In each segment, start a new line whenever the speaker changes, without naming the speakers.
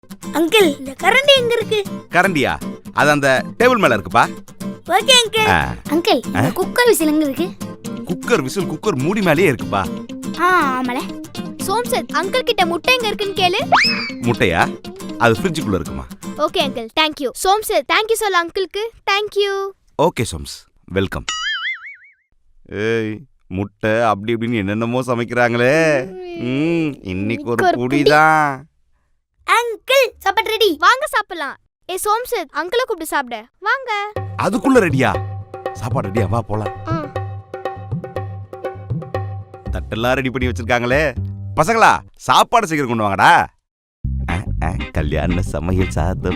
Uncle இந்த கரண்டி எங்க இருக்கு?
கரண்டியா? அது அந்த டேபிள் மேல இருக்குப்பா.
Okay uncle.
அங்கிள் இந்த குக்கர் விசில் எங்க இருக்கு?
குக்கர் மூடி மேலயே இருக்குப்பா.
ஆமால. சோம்சத் அங்கிள் கிட்ட முட்டை எங்க இருக்குன்னு கேளு.
முட்டையா? அது ஃப்ரிட்ஜுக்குள்ள இருக்குமா?
Okay uncle, thank you. சோம்சத் thank you சொல்ல அங்கிள்க்கு. thank you.
ஓகே சோம்ஸ், வெல்கம். ஏய் முட்டை அப்படி இப்படின்னு என்னென்னமோ சமைக்கிறாங்களே. இன்னைக்கு ஒரு புடிதான்.
அங்கிள் சாப்பாடு ரெடி, வாங்க சாப்பிடலாம். சோம்சத் அங்கிளை கூப்பிட்டு சாப்பிட வாங்க.
அதுக்குள்ள ரெடியா? சாப்பாடு ரெடியா? வா போலாம். தட்டெல்லாம் ரெடி பண்ணி வச்சிருக்காங்களே. பசங்களா சாப்பாடு சீக்கிரம் கொண்டு வாங்கடா. கல்யாண சமையல் சாதம்.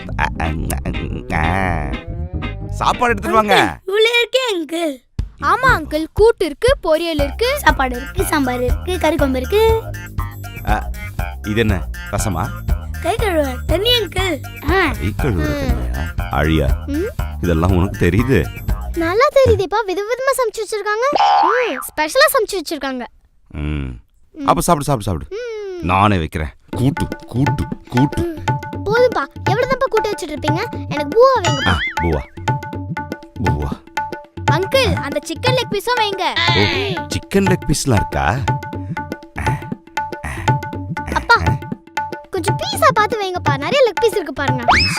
சாப்பாடு எடுத்துட்டு வாங்க.
இவ்வளோ இருக்கே அங்கிள்.
ஆமா அங்கிள், கூட்டு இருக்கு, பொரியல் இருக்கு, சாப்பாடு இருக்கு, சாம்பார் இருக்கு, கறி குழம்பு இருக்கு.
இது என்ன ரசமா?
கை கழுவ தண்ணி அங்கிள்.
கை கழுவ அழியா? இதெல்லாம் உனக்கு தெரியுது?
நல்லா தெரியுதேப்பா, விதவிதமா சமைச்சு வச்சிருக்காங்க. ஸ்பெஷலா சமைச்சு வச்சிருக்காங்க.
அப்ப சாப்பிடு சாப்பிடு சாப்பிடு. நானே வைக்கிறேன். கூட்டு கூட்டு கூட்டு.
போதும்பா, எவ்வளவுதான்ப்பா கூட்டு வச்சிட்டு இருப்பீங்க? எனக்கு பூவா வைங்கப்பா.
பூவா பூவா.
அங்கிள் அந்த சிக்கன் லெக் பீஸும் வைங்க.
சிக்கன் லெக் பீஸ்லாம் இருக்கா?
அப்பா கொஞ்சம் பீஸா பார்த்து வைங்கப்பா, நிறைய லெக் பீஸ் இருக்கு பாருங்க.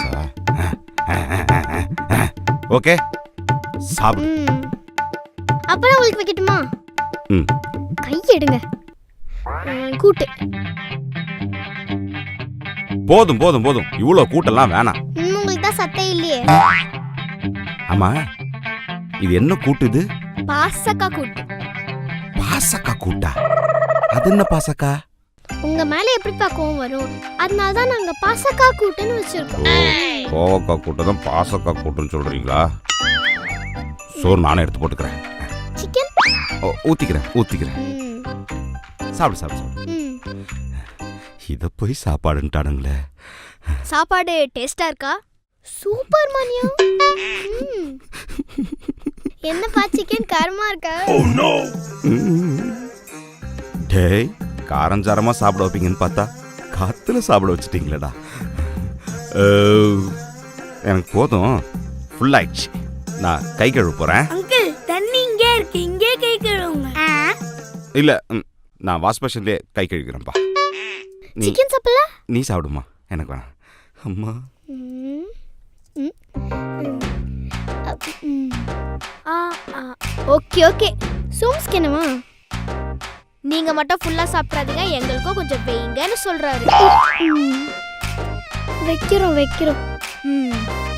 ஓகே சாப்பிடு.
அப்புறம் உங்களுக்கு வைக்கட்டுமா? கை எடுங்க. கூட்டு
போதும் போதும் போதும், இவ்வளவு கூட்டெல்லாம் வேணாம்.
உங்களுக்கு தான் சத்தே இல்லையே.
ஆமா இது என்ன கூட்டு? இது
பாசக்கா கூட்டு.
பாசக்கா கூட்டா? அது என்ன பாசக்கா?
உங்க மேல எப்படி கோவம் வரும், அதனால தான் நாங்க பாசக்கா கூட்டுன்னு வச்சிருக்கோம்.
கோவக்கா கூட்டு தான் பாசக்கா கூட்டுன்னு சொல்றீங்களா? சோறு நானே எடுத்து போட்டுக்கிறேன்.
சிக்கன்
ஊத்திக்கிறேன். சாப்பிடு சாப்பிடு சாப்பிடு. இத போய் சாப்பாடுன்ட்டானுங்களே.
சாப்பாடு டேஸ்டா இருக்கா? சூப்பர் மணியா. என்னப்பா சிக்கன் காரமா இருக்கா?
டேய் காரஞ்சாரமா சாப்பிட வைப்பீங்கன்னு பார்த்தா காத்துல சாப்பிட வச்சுட்டீங்களேடா. எனக்கு போதும், ஃபுல் ஆயிடுச்சு. நான் கை கழுவ போறேன்.
அங்கிள் தண்ணி இங்கே இருக்கு, இங்கே கை கழுவுங்க.
இல்ல நான் வாஷ் பேஷன்லயே கை கழுவிக்கிறேன்ப்பா.
சிக்கன் சாப்பிடல?
நீ சாப்பிடுமா, எனக்கு வேணாம். அம்மா
ஓகே ஓகே. சோம்ஸ்க்கு என்னமா? நீங்க மட்டும் ஃபுல்லா சாப்பிடாதீங்க, எங்களுக்கும் கொஞ்சம் வைங்கன்னு சொல்றாரு. வைக்கிறோம்.